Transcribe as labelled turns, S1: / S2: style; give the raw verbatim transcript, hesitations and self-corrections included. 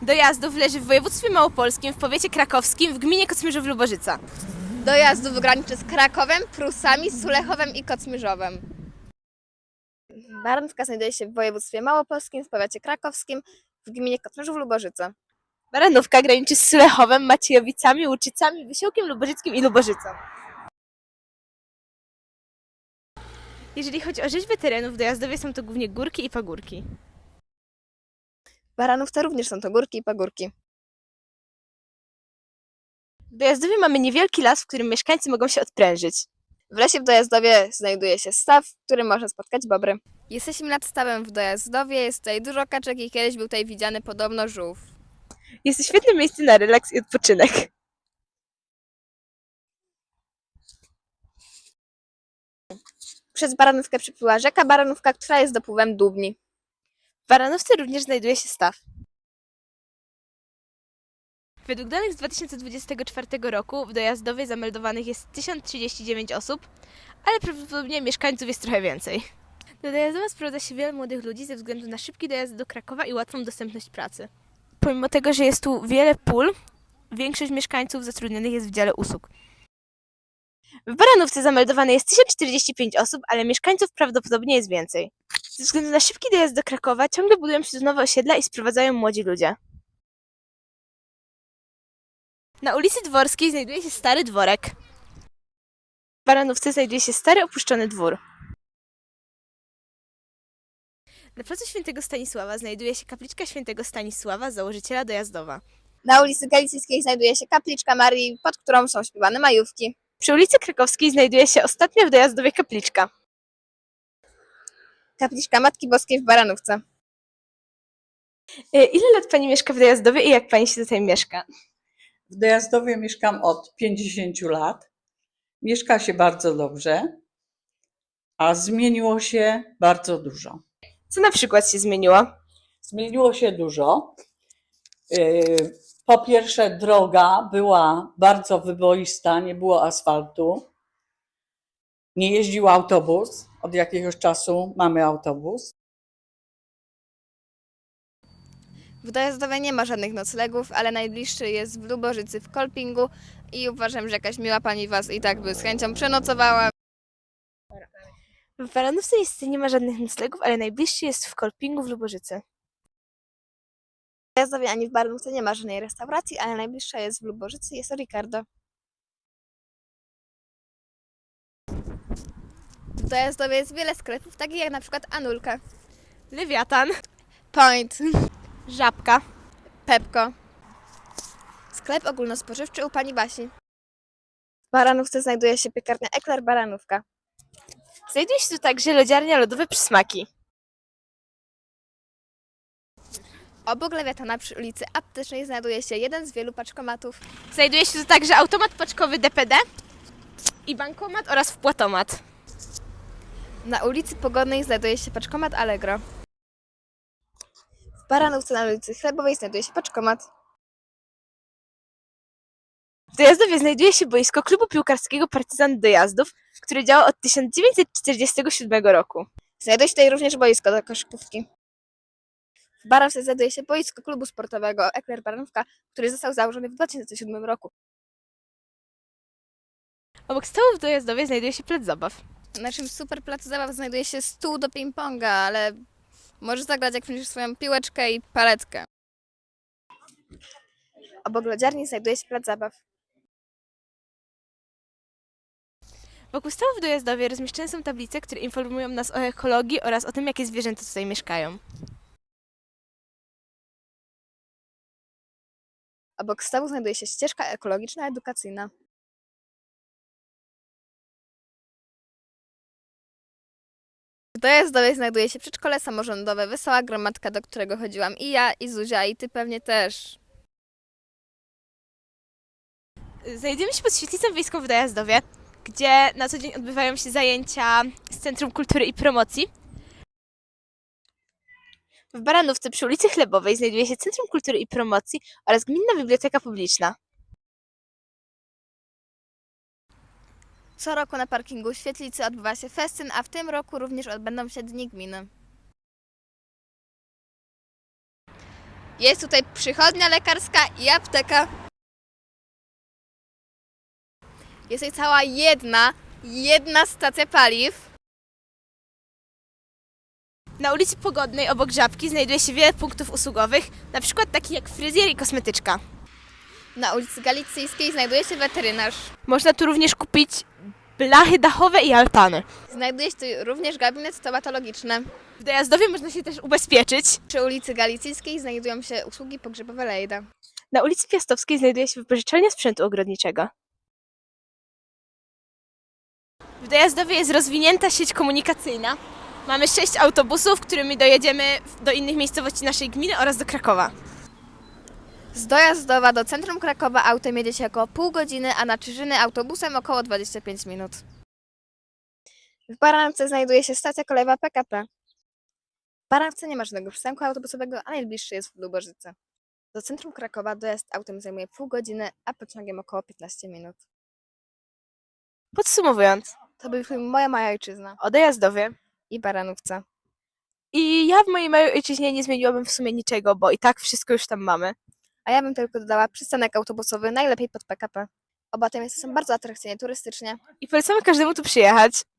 S1: Dojazdów leży w województwie małopolskim, w powiecie krakowskim, w gminie Kocmyrzów-Lubożyca.
S2: Dojazdów graniczy z Krakowem, Prusami, Sulechowem i Kocmyrzowem. Baranówka znajduje się w województwie małopolskim, w powiecie krakowskim, w gminie Kocmyrzów-Lubożyca.
S1: Baranówka graniczy z Sulechowem, Maciejowicami, Łuczycami, Wysiłkiem Lubożyckim i Lubożycą. Jeżeli chodzi o rzeźbę terenów, w Dojazdowie są to głównie górki i pagórki.
S2: W Baranówce również są to górki i pagórki.
S1: W Dojazdowie mamy niewielki las, w którym mieszkańcy mogą się odprężyć.
S2: W lesie w Dojazdowie znajduje się staw, w którym można spotkać bobry. Jesteśmy nad stawem w Dojazdowie, jest tutaj dużo kaczek i kiedyś był tutaj widziany podobno żółw.
S1: Jest to świetne miejsce na relaks i odpoczynek.
S2: Przez Baranówkę przepływa rzeka Baranówka, która jest dopływem Dubni.
S1: W Baranówce również znajduje się staw. Według danych z dwa tysiące dwudziestego czwartego roku w Dojazdowie zameldowanych jest tysiąc trzydzieści dziewięć osób, ale prawdopodobnie mieszkańców jest trochę więcej. Do Dojazdowa sprowadza się wiele młodych ludzi ze względu na szybki dojazd do Krakowa i łatwą dostępność pracy. Pomimo tego, że jest tu wiele pól, większość mieszkańców zatrudnionych jest w dziale usług. W Baranówce zameldowane jest tysiąc czterdzieści pięć osób, ale mieszkańców prawdopodobnie jest więcej. Ze względu na szybki dojazd do Krakowa ciągle budują się tu nowe osiedla i sprowadzają młodzi ludzie. Na ulicy Dworskiej znajduje się stary dworek. W Baranówce znajduje się stary opuszczony dwór. Na placu Świętego Stanisława znajduje się kapliczka Świętego Stanisława, założyciela Dojazdowa.
S2: Na ulicy Galicyjskiej znajduje się kapliczka Marii, pod którą są śpiewane majówki.
S1: Przy ulicy Krakowskiej znajduje się ostatnia w Dojazdowie kapliczka.
S2: Kapliczka Matki Boskiej w Baranówce.
S1: Ile lat pani mieszka w Dojazdowie i jak pani się tutaj mieszka?
S3: W Dojazdowie mieszkam od pięćdziesięciu lat. Mieszka się bardzo dobrze, a zmieniło się bardzo dużo.
S1: Co na przykład się zmieniło?
S3: Zmieniło się dużo. Yy, Po pierwsze, droga była bardzo wyboista, nie było asfaltu. Nie jeździł autobus. Od jakiegoś czasu mamy autobus.
S2: W Dojazdowie nie ma żadnych noclegów, ale najbliższy jest w Lubożycy w Kolpingu i uważam, że jakaś miła pani was i tak by z chęcią przenocowała.
S1: W Baranówce niestety nie ma żadnych noclegów, ale najbliższy jest w Kolpingu w Lubożycy.
S2: W Dojazdowie ani w Baranówce nie ma żadnej restauracji, ale najbliższa jest w Lubożycy, jest to Ricardo. W Dojazdowie jest wiele sklepów, takich jak na przykład Anulka,
S1: Lewiatan,
S2: Point,
S1: Żabka,
S2: Pepko. Sklep ogólnospożywczy u pani Basi. W Baranówce znajduje się piekarnia Ekler Baranówka.
S1: Znajduje się tu także lodziarnia Lodowe Przysmaki.
S2: Obok Lewiatana przy ulicy Aptecznej znajduje się jeden z wielu paczkomatów.
S1: Znajduje się tu także automat paczkowy D P D i bankomat oraz wpłatomat.
S2: Na ulicy Pogodnej znajduje się paczkomat Allegro. W Baranówce na ulicy Chlebowej znajduje się paczkomat.
S1: W Dojazdowie znajduje się boisko klubu piłkarskiego Partyzant Dojazdów, które działa od tysiąc dziewięćset czterdziestego siódmego roku.
S2: Znajduje się tutaj również boisko do koszykówki. W Baranówce znajduje się boisko klubu sportowego Ekler Baranówka, który został założony w dwa tysiące siódmym roku.
S1: Obok stołu w Dojazdowie znajduje się plac zabaw.
S2: W naszym super placu zabaw znajduje się stół do ping-ponga, ale możesz zagrać jak będziesz swoją piłeczkę i paletkę. Obok lodziarni znajduje się plac zabaw.
S1: Wokół stołu w Dojazdowie rozmieszczone są tablice, które informują nas o ekologii oraz o tym, jakie zwierzęta tutaj mieszkają.
S2: Obok stołu znajduje się ścieżka ekologiczna edukacyjna. W Dojazdowie znajduje się przedszkole samorządowe Wesoła Gromadka, do którego chodziłam i ja, i Zuzia, i ty pewnie też.
S1: Znajdziemy się pod świetlicą wiejską w Dojazdowie, gdzie na co dzień odbywają się zajęcia z Centrum Kultury i Promocji. W Baranówce przy ulicy Chlebowej znajduje się Centrum Kultury i Promocji oraz Gminna Biblioteka Publiczna.
S2: Co roku na parkingu Świetlicy odbywa się festyn, a w tym roku również odbędą się Dni Gminy. Jest tutaj przychodnia lekarska i apteka. Jest tutaj cała jedna, jedna stacja paliw.
S1: Na ulicy Pogodnej obok Żabki znajduje się wiele punktów usługowych, na przykład taki jak fryzjer i kosmetyczka.
S2: Na ulicy Galicyjskiej znajduje się weterynarz.
S1: Można tu również kupić blachy dachowe i altany.
S2: Znajduje się tu również gabinet stomatologiczny.
S1: W Dojazdowie można się też ubezpieczyć.
S2: Przy ulicy Galicyjskiej znajdują się usługi pogrzebowe Lejda.
S1: Na ulicy Piastowskiej znajduje się wypożyczalnia sprzętu ogrodniczego. W Dojazdowie jest rozwinięta sieć komunikacyjna. Mamy sześć autobusów, którymi dojedziemy do innych miejscowości naszej gminy oraz do Krakowa.
S2: Z Dojazdowa do centrum Krakowa autem jedzie się około pół godziny, a na Czyżyny autobusem około dwadzieścia pięć minut. W Baranovce znajduje się stacja kolejowa P K P. W Baranovce nie ma żadnego przystanku autobusowego, a najbliższy jest w Lubożyce. Do centrum Krakowa dojazd autem zajmuje pół godziny, a pociągiem około piętnaście minut.
S1: Podsumowując,
S2: To był film Moja Mała Ojczyzna
S1: o Dojazdowie.
S2: i Baranówce.
S1: I ja w mojej małej ojczyźnie nie zmieniłabym w sumie niczego, bo i tak wszystko już tam mamy.
S2: A ja bym tylko dodała przystanek autobusowy, najlepiej pod P K P. Oba te miejsca są bardzo atrakcyjne turystycznie.
S1: I polecamy każdemu tu przyjechać.